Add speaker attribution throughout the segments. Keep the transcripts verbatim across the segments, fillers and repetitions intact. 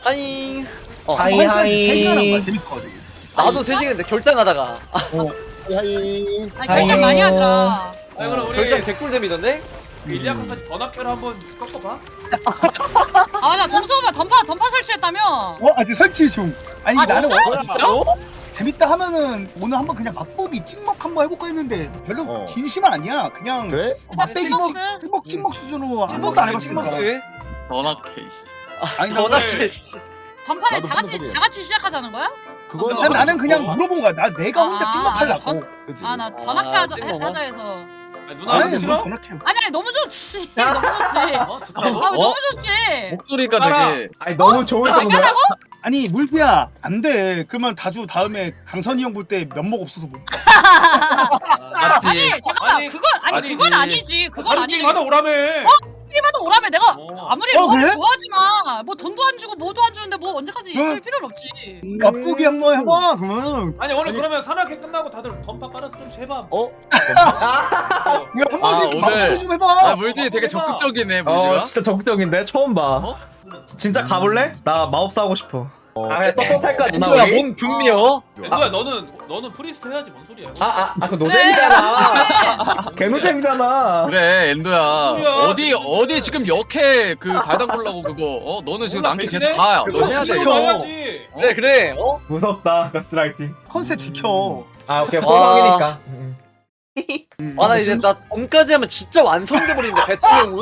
Speaker 1: 하잉.
Speaker 2: 어,
Speaker 3: 하이,
Speaker 2: 한 시간
Speaker 3: 하이.
Speaker 2: 세 시간 한 거야. 재밌어가지고.
Speaker 1: 나도 세 시간인데 결장하다가.
Speaker 2: 어.
Speaker 4: 하이.
Speaker 5: 아니 결정 많이 하더라.
Speaker 6: 아니 그럼 우리
Speaker 1: 결장 개꿀잼이던데?
Speaker 6: 일리아칸까지 번학회로 한번 꺾어봐.
Speaker 5: 아나 동수가 던파 던파 설치했다며.
Speaker 2: 어 아직 설치 중. 아니
Speaker 5: 아,
Speaker 2: 나는
Speaker 5: 진짜?
Speaker 2: 원-
Speaker 1: 진짜?
Speaker 2: 재밌다 하면은 오늘 한번 그냥 맛보기 찍먹 한번 해볼까 했는데 별로
Speaker 4: 어.
Speaker 2: 진심은 아니야. 그냥
Speaker 4: 그래?
Speaker 2: 맛배기
Speaker 5: 찍먹스?
Speaker 2: 찍- 찍먹 찍먹 수준으로 한 번도 안 해봤으니까.
Speaker 1: 찍먹스.
Speaker 7: 전학회.
Speaker 2: 아니 나
Speaker 1: 전학회 씨.
Speaker 5: 던파에
Speaker 4: 나도
Speaker 5: 다 같이
Speaker 4: 한번
Speaker 5: 다 같이 시작하자는 거야?
Speaker 4: 그건
Speaker 2: 난 나는 그냥 물어본 거야. 나 내가 혼자
Speaker 5: 아,
Speaker 2: 찍먹하려고.
Speaker 5: 아니,
Speaker 4: 그치.
Speaker 5: 아 나
Speaker 1: 아,
Speaker 5: 던학회 하자
Speaker 1: 찍먹어?
Speaker 5: 하자 해서.
Speaker 6: 아니, 누나
Speaker 2: 아니
Speaker 6: 싫어?
Speaker 2: 뭘 전학해.
Speaker 5: 아니 아니 너무 좋지. 너무 좋지.
Speaker 6: 어?
Speaker 5: 아
Speaker 6: 좋다고?
Speaker 5: 너무 좋지.
Speaker 7: 목소리가
Speaker 6: 가라.
Speaker 7: 되게
Speaker 3: 아니 너무 좋을
Speaker 5: 아,
Speaker 3: 정도야?
Speaker 2: 아니 물피야 안 돼. 그러면 다주 다음에 강선이 형 볼 때 면목 없어서 못.
Speaker 7: 맞지.
Speaker 5: 아니 잠깐만
Speaker 6: 아니,
Speaker 5: 그건 아니
Speaker 6: 아니지.
Speaker 5: 그건 아니지. 그건
Speaker 6: 다른
Speaker 5: 아니지.
Speaker 6: 게임하다 오라며.
Speaker 5: 게임하다 오라며 내가
Speaker 6: 어.
Speaker 5: 아무리
Speaker 2: 어,
Speaker 5: 로아를
Speaker 2: 그래?
Speaker 5: 좋아하지만 뭐 돈도 안 주고 뭐도 안 주는데 뭐 언제까지
Speaker 2: 응.
Speaker 5: 있을 필요는 없지.
Speaker 2: 맛보기 한번 해봐. 그러면
Speaker 6: 아니 오늘 그러면 산악회 끝나고 다들 던파 깔아서 좀 해봐.
Speaker 4: 어?
Speaker 2: 왜 한 번씩
Speaker 7: 오늘-
Speaker 2: 맛보기 좀 해봐.
Speaker 7: 아 물지 되게 적극적이네
Speaker 3: 어
Speaker 7: 물지가.
Speaker 3: 진짜 적극적인데 처음 봐.
Speaker 7: 어?
Speaker 3: 진짜 가볼래? 나 마법사 하고 싶어. 아 그냥 서포탈까 누나
Speaker 1: 누가
Speaker 3: 우리?
Speaker 1: 뭔 분미여?
Speaker 6: 누야 너는 너는 프리스트 해야지 뭔 소리야?
Speaker 3: 아아 아, 그 노잼이잖아. 개노잼이잖아.
Speaker 7: 그래 엔도야.
Speaker 6: 뭐야?
Speaker 7: 어디 어디 지금 역해 그 발당 보려고 그거. 어 너는 지금
Speaker 6: 몰라,
Speaker 7: 남캐 계속
Speaker 6: 배신해?
Speaker 7: 가. 너
Speaker 2: 그거
Speaker 7: 해야 돼.
Speaker 2: 지켜.
Speaker 7: 이거.
Speaker 6: 해야지.
Speaker 1: 그래 그래. 어?
Speaker 3: 무섭다 가스라이팅.
Speaker 2: 컨셉 지켜.
Speaker 3: 아 오케이
Speaker 1: 와.
Speaker 3: 호박이니까.
Speaker 1: 아 나 이제 나 봄까지 하면 진짜 완성돼 버리는데 배트형은.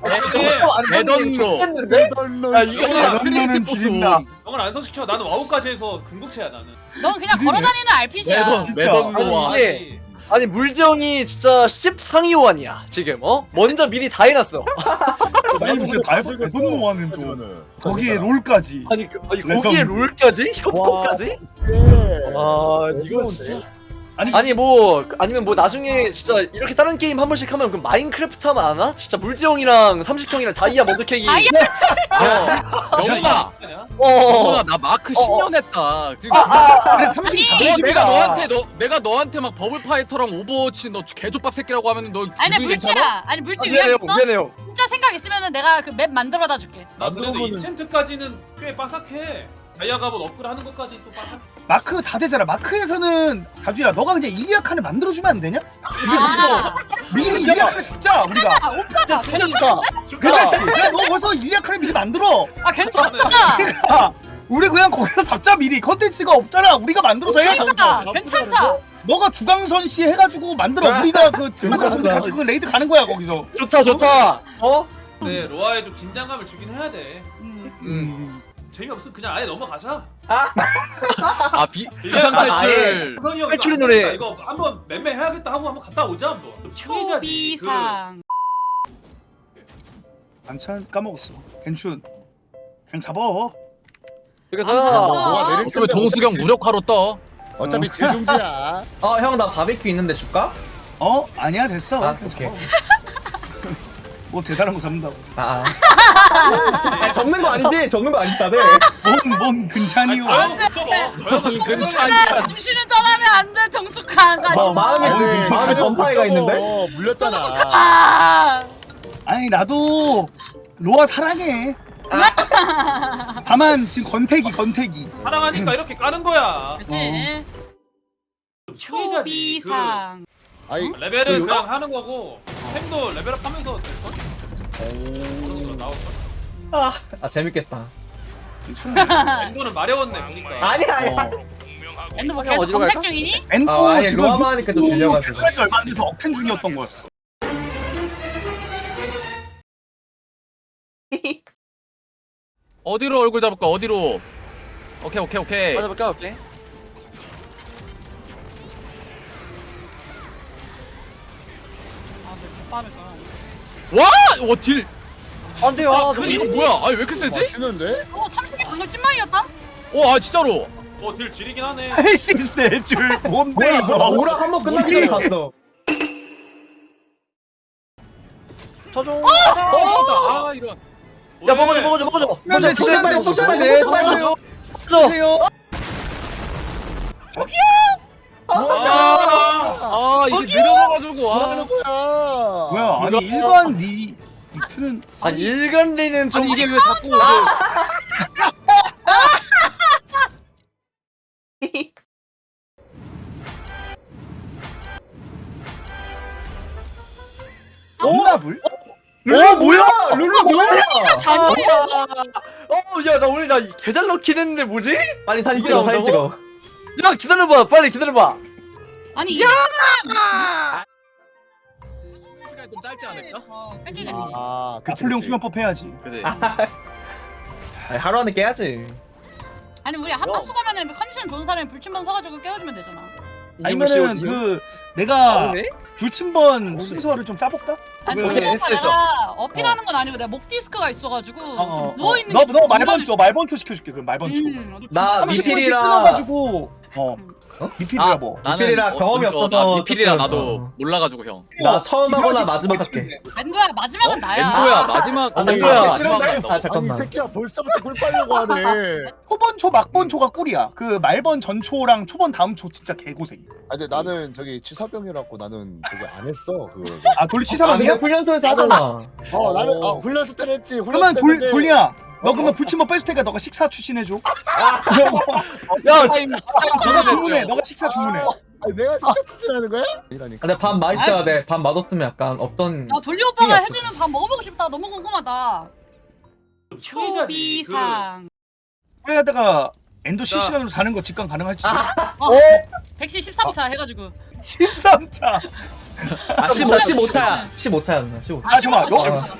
Speaker 7: 대던로.
Speaker 1: 했는데? 야 이거
Speaker 2: 그러면은
Speaker 7: 트리니티 보스.
Speaker 2: 지린다.
Speaker 6: 형을 안성시켜. 나는 와우까지 해서 궁극체야 나는.
Speaker 5: 넌 그냥 걸어다니는 알피지야.
Speaker 7: 매던
Speaker 2: 진짜.
Speaker 7: 매던로와.
Speaker 1: 아니, 이게- 아니 물지형이 진짜 십 상위 호환이야 지금 어? 먼저 미리 다 해놨어.
Speaker 2: 아니 무슨 말도 대본노하는 좀. 거기에 롤까지.
Speaker 1: 아니, 그, 아니
Speaker 2: 레전드.
Speaker 1: 거기에 롤까지? 협곡까지? 와 이거 진짜.
Speaker 2: 아니
Speaker 1: 아니 뭐 아니면 뭐 나중에 진짜 이렇게 다른 게임 한 번씩 하면 그 마인크래프트 하면 안 와? 진짜 물지형이랑 삼십형이랑 다이아 먼저 캐기.
Speaker 5: 다이아?
Speaker 1: 어.
Speaker 7: 영훈아.
Speaker 1: 어.
Speaker 7: 영훈아 나 마크
Speaker 1: 어,
Speaker 7: 십 년 했다. 지금
Speaker 2: 그래 삼십
Speaker 5: 아니,
Speaker 7: 너
Speaker 2: 삼십이다.
Speaker 7: 내가 너한테 너 내가 너한테 막 버블 파이터랑 오버워치 너 개조밥 새끼라고 하면 너
Speaker 5: 아니 근데
Speaker 7: 기분이 괜찮아?
Speaker 5: 물지야. 아니 물지
Speaker 1: 미안해요
Speaker 5: 위험 있어?
Speaker 1: 미안해요.
Speaker 5: 진짜 생각 있으면은 내가 그 맵 만들어다 줄게.
Speaker 6: 나 그래도
Speaker 4: 만들어보는-
Speaker 6: 이챈트까지는 꽤 빠삭해. 다이아 갑옷 업글 하는 것까지 또 빠삭.
Speaker 2: 마크 다 되잖아. 마크에서는 다주야 너가 그냥 일리아 칸을 만들어주면 안 되냐?
Speaker 5: 아,
Speaker 2: 미리 일리아 칸을 잡자 우리가.
Speaker 5: 아 오빠가
Speaker 1: 진짜 좋다.
Speaker 2: 그래 야, 너 벌써 일리아 칸을 미리 만들어.
Speaker 5: 아 괜찮다.
Speaker 2: 야, 우리 그냥 거기서 잡자 미리. 컨텐츠가 없잖아. 우리가 만들어서 해.
Speaker 5: 그러니까 괜찮다.
Speaker 2: 너가 주강선 씨 해가지고 만들어. 우리가 그 만들어서 우리 같이 그 레이드 가는 거야 거기서.
Speaker 1: 좋다 좋다. 어?
Speaker 6: 네 로아에 좀 긴장감을 주긴 해야 돼.
Speaker 5: 음.
Speaker 2: 음.
Speaker 6: 재미없으면 그냥 아예 넘어가자.
Speaker 7: 아 비, 비상 탈출.
Speaker 6: 선이 형
Speaker 1: 탈출의
Speaker 6: 이거
Speaker 1: 노래.
Speaker 6: 안 되겠다, 이거 한번 맴매 해야겠다 하고 한번 갔다 오자 한번. 피해자지.
Speaker 5: 초비상.
Speaker 2: 반찬 까먹었어. 괜춘. 그냥 잡아.
Speaker 1: 이거
Speaker 5: 아,
Speaker 1: 다.
Speaker 4: 뭐가 내릴
Speaker 7: 어쩌면 정수경 무력화로 떠.
Speaker 4: 어차피 딜중지야.
Speaker 3: 어 형 나 바비큐 있는데 줄까?
Speaker 2: 어? 아니야 됐어.
Speaker 3: 아,
Speaker 2: 그냥
Speaker 3: 오케이.
Speaker 2: 잡아. 뭐 대단한 거 잡는다고.
Speaker 3: 아. 아 접는 거 아니지? 접는 거 아니지 다들.
Speaker 2: 뭔, 뭔 근찬이요.
Speaker 6: 저 형은 못 접어. 저 형은
Speaker 7: 근처
Speaker 5: 정신을 떠나면 안 돼. 정숙한 가지
Speaker 3: 어, 마음이
Speaker 2: 어,
Speaker 3: 그 마음에 던파이가 있는데.
Speaker 4: 어, 물렸잖아.
Speaker 5: 아.
Speaker 2: 아니 나도 로아 사랑해. 다만 지금 건태기 건태기.
Speaker 6: 사랑하니까 이렇게 까는 거야.
Speaker 5: 그렇지.
Speaker 6: 피해자지.
Speaker 5: 초비상.
Speaker 4: 아이,
Speaker 6: 그 레벨은
Speaker 4: 그
Speaker 6: 그냥 하는 거고 템도 레벨업하면서 될 걸? 어, 나올 걸?
Speaker 3: 아, 아 재밌겠다.
Speaker 6: 엔도는 마려웠네 보니까.
Speaker 3: 아니야 아니야.
Speaker 2: 어.
Speaker 5: 엔드 뭐
Speaker 1: 그냥
Speaker 5: 계속
Speaker 1: 어디로
Speaker 5: 검색
Speaker 1: 갈까?
Speaker 5: 중이니?
Speaker 2: 엔도
Speaker 3: 아, 아니,
Speaker 2: 지금
Speaker 3: 로아만 하니까 또 들려가지고.
Speaker 2: 들려가지고 얼마 안 돼서 억텐 중이었던 거였어.
Speaker 7: 어디로 얼굴 잡을까? 어디로? 오케이 오케이 오케이.
Speaker 1: 맞아볼까 오케이.
Speaker 5: 아왜 빠르다.
Speaker 7: 와! 와 딜.
Speaker 1: 안돼요.
Speaker 6: 아,
Speaker 1: 아,
Speaker 6: 그
Speaker 7: 아니 이거 뭐야? 아니 왜 이렇게 세지?
Speaker 4: 맛있는데?
Speaker 5: 어 삼십 개 방금 찐망이었다?
Speaker 7: 와 아, 진짜로.
Speaker 6: 어딜 지리긴 하네.
Speaker 2: 헬싱스 내줄 뭔데
Speaker 3: 뭐야 뭐
Speaker 2: 이거.
Speaker 3: 오락 한번 끝나기 전에 갔어.
Speaker 1: 쳐줘.
Speaker 7: 아 이런.
Speaker 1: 야 먹어줘 먹어줘 먹어줘.
Speaker 2: 근데
Speaker 3: 포션
Speaker 2: 진짜
Speaker 3: 빨리, 포션 빨리,
Speaker 2: 내
Speaker 3: 포션 빨리.
Speaker 2: 쳐요.
Speaker 1: 먹어줘.
Speaker 2: 쳐요.
Speaker 6: 아,
Speaker 7: 아 이게 느려져가지고. 아.
Speaker 4: 뭐야?
Speaker 2: 뭐야 아니 일반 리 리트는
Speaker 1: 아니 일간리는 좀
Speaker 7: 아니 이게 왜 자꾸 그
Speaker 1: 어야 나 오늘 나 개잘 넣긴 했는데 뭐지?
Speaker 3: 빨리 사진
Speaker 1: 이게
Speaker 3: 찍어 사진
Speaker 1: 나온다고?
Speaker 3: 찍어.
Speaker 1: 야 기다려봐 빨리 기다려봐.
Speaker 5: 아니 이
Speaker 7: 시간이 좀 짧지 않을까?
Speaker 5: 어, 뺏기겠지.
Speaker 4: 아, 그치,
Speaker 2: 나폴레옹
Speaker 4: 그치.
Speaker 2: 수면법 해야지.
Speaker 7: 그지.
Speaker 3: 아니, 하루 안에 깨야지.
Speaker 5: 아니 우리 한박수 가면은 컨디션 좋은 사람이 불침번 서가지고 깨워주면 되잖아.
Speaker 2: 아니면은 그 내가
Speaker 1: 나오네?
Speaker 2: 불침번 순서를 좀 짜볼까?
Speaker 5: 아니
Speaker 2: 그-
Speaker 1: 오케이,
Speaker 5: 오빠
Speaker 1: 했어, 했어.
Speaker 5: 내가 어필하는 건 아니고 내가 목 디스크가 있어가지고
Speaker 2: 어, 어,
Speaker 5: 좀
Speaker 2: 어.
Speaker 5: 누워 있는
Speaker 2: 너, 너 말번초 말번초 시켜줄게. 그럼 말번초.
Speaker 5: 음,
Speaker 3: 나
Speaker 2: 삼십 분씩
Speaker 3: 미필이랑
Speaker 2: 끊어가지고 어
Speaker 3: 어?
Speaker 2: 미필이라 뭐.
Speaker 3: 미필이라 경험이
Speaker 7: 어,
Speaker 3: 없어서
Speaker 7: 나 미필이라
Speaker 3: 조금,
Speaker 7: 나도
Speaker 3: 어.
Speaker 7: 몰라가지고 형.
Speaker 3: 나 처음 하거나
Speaker 2: 기사식
Speaker 3: 마지막
Speaker 2: 뭐
Speaker 3: 할게.
Speaker 5: 멘도야 마지막은 나야.
Speaker 7: 엔도야 마지막.
Speaker 3: 아, 나
Speaker 7: 어,
Speaker 3: 이거
Speaker 7: 마지막
Speaker 3: 싫은데?
Speaker 7: 간다고.
Speaker 3: 아
Speaker 4: 아니 이
Speaker 3: 잠깐만.
Speaker 4: 새끼야 벌써부터 꿀 빨려고 하네.
Speaker 2: 초번초 막번초가 꿀이야. 그 말번 전초랑 초번 다음 초 진짜 개고생.
Speaker 4: 아 근데 나는 저기 치사병이라고 나는 그거 안 했어 그거.
Speaker 2: 아 돌리
Speaker 3: 아
Speaker 2: 치사방이야?
Speaker 3: 근데 훈련소에서 하잖아.
Speaker 4: 어 나는 어 훈련소 때는 했지.
Speaker 2: 그러면
Speaker 4: 훈련소
Speaker 2: 돌
Speaker 4: 때는
Speaker 2: 돌리야. 너 그러면 불침번 뺏을 테니까 너가 식사 추신해줘.
Speaker 1: 야
Speaker 7: 타임 타임
Speaker 2: 너가
Speaker 7: 정해졌죠.
Speaker 2: 주문해. 너가 식사 주문해.
Speaker 4: 아니 내가 진짜 추진하는 거야? 아니라니까.
Speaker 3: 근데 밥 맛있어야 돼. 밥 맛없으면 약간 없던.
Speaker 5: 나 돌리 오빠가
Speaker 3: 생각했어.
Speaker 5: 해주는 밥 먹어보고 싶다. 너무 궁금하다. 초비상.
Speaker 2: 그래야다가 엔도
Speaker 1: 자.
Speaker 2: 실시간으로 사는 거 직관 가능할지.
Speaker 5: 어, 백시 십삼 차 해가지고.
Speaker 2: 십삼 차.
Speaker 3: 아, 십오, 십오 차야. 십오 차야 누나. 십오 차.
Speaker 2: 아, 잠깐만,
Speaker 5: 십오 차.
Speaker 2: 너-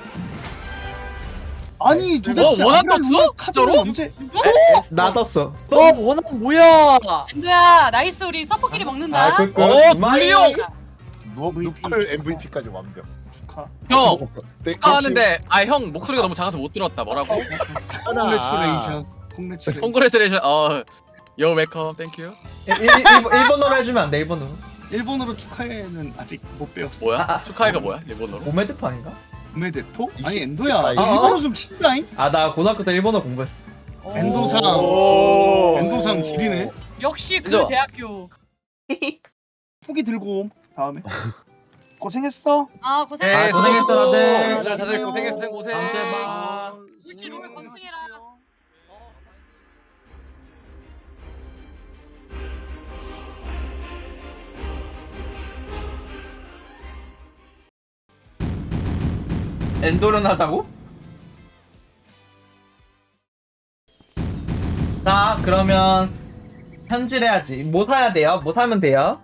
Speaker 2: 아니 도대체
Speaker 7: 어, 원한
Speaker 2: 아무런
Speaker 7: 떴어?
Speaker 2: 루머 카드를
Speaker 7: 진짜로?
Speaker 2: 언제?
Speaker 3: 나 떴어.
Speaker 1: 너 원한 뭐야?
Speaker 5: 멘도야 나이스 우리 서포끼리 먹는다.
Speaker 3: 아, 그, 그,
Speaker 7: 어,
Speaker 3: 이마이-
Speaker 7: 돌리 형.
Speaker 4: 누 누클 엠브이피까지 완벽.
Speaker 2: 축하.
Speaker 7: 형
Speaker 4: 네,
Speaker 7: 축하하는데 아 형 목소리가 너무 작아서 못 들었다. 뭐라고?
Speaker 2: 콩레츄레이션. 콩레츄레이션.
Speaker 7: 콩그레츄레이션. 어, 요 웰컴, 땡큐.
Speaker 3: 일- 일- 일- 일본어로 해주면 안 돼. 일본어로.
Speaker 2: 일본어로 축하해는 아직 못 배웠어.
Speaker 7: 뭐야?
Speaker 3: 아, 아.
Speaker 7: 축하해가 뭐야? 일본어로?
Speaker 3: 오메데토 아닌가?
Speaker 2: 메데토?
Speaker 4: 이게-
Speaker 2: 아니 엔도야.
Speaker 4: 아,
Speaker 2: 일본어 좀 친다잉.
Speaker 3: 아 나 고등학교 때 일본어 공부했어.
Speaker 2: 엔도상.
Speaker 1: 오.
Speaker 2: 엔도상 지리네.
Speaker 5: 역시 그
Speaker 1: 그죠?
Speaker 5: 대학교.
Speaker 2: 후기 들고 옴. 다음에. 고생했어.
Speaker 5: 아 고생.
Speaker 7: 네,
Speaker 3: 고생했어, 다들.
Speaker 1: 다들 다들 고생했어.
Speaker 7: 고생 고생.
Speaker 3: 다음 주에 봐.
Speaker 5: 물질 롤 건승해라.
Speaker 3: 엔도련 하자고? 자 그러면 현질해야지. 뭐 사야 돼요? 뭐 사면 돼요?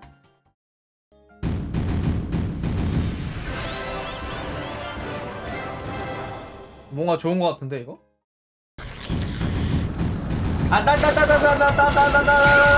Speaker 3: 뭔가 좋은 거 같은데 이거? 아따따따따따따따따따